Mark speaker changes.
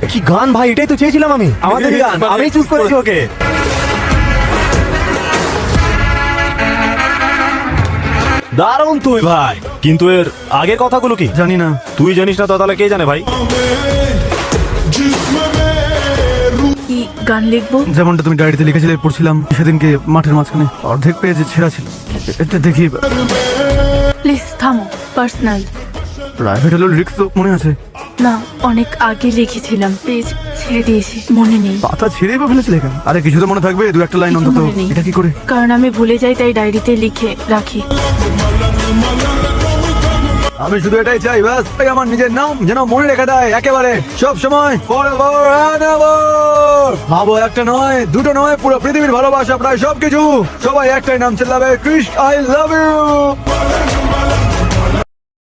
Speaker 1: কি গান ভাই, এটাই তো চেয়েছিলাম আমি। আমাদের গান, আমি চুজ করেছি ওকে। দারুণ তুই ভাই, কিন্তু এর আগের কথাগুলো কি?
Speaker 2: জানি না।
Speaker 1: তুই জানিস না তো তাহলে কে জানে ভাই?
Speaker 3: কি গান লিখবো?
Speaker 2: যেমনটা তুমি ডায়েরিতে লিখেছিলে, পড়ছিলাম সেদিনকে মাঠের মাঝখানে অর্ধেক পেজে ছেঁড়া ছিল। এটা দেখি।
Speaker 3: প্লিজ থামো, পার্সোনাল।
Speaker 2: প্রাইভেট হলো লিরিক্স তো মনে আছে?
Speaker 3: না, অনেক আগে লিখেছিলাম, পেজ ছেড়ে দিয়েছি, মনে নেই।
Speaker 2: পাতা ছিঁড়েই বা ফেলেছিলে কেন? আরে কিছু তো মনে থাকবে, দু একটা লাইন
Speaker 3: কিছু
Speaker 2: অন্তত।
Speaker 3: মনে নেই।
Speaker 2: এটা কি করে?
Speaker 3: কারণ আমি ভুলে যাই, তাই ডায়েরিতে লিখে রাখি।
Speaker 2: আমি শুধু এটাই চাই, ব্যাস আমার নিজের নাম যেন মনে রেখে দেয় একেবারে সব সময়। ভাবো, একটা নয়, দুটো নয়, পুরো পৃথিবীর ভালোবাসা, প্রায় সবকিছু। সবাই একটাই নাম চিল্লাবে, কৃষ্ণ আই লাভ ইউ।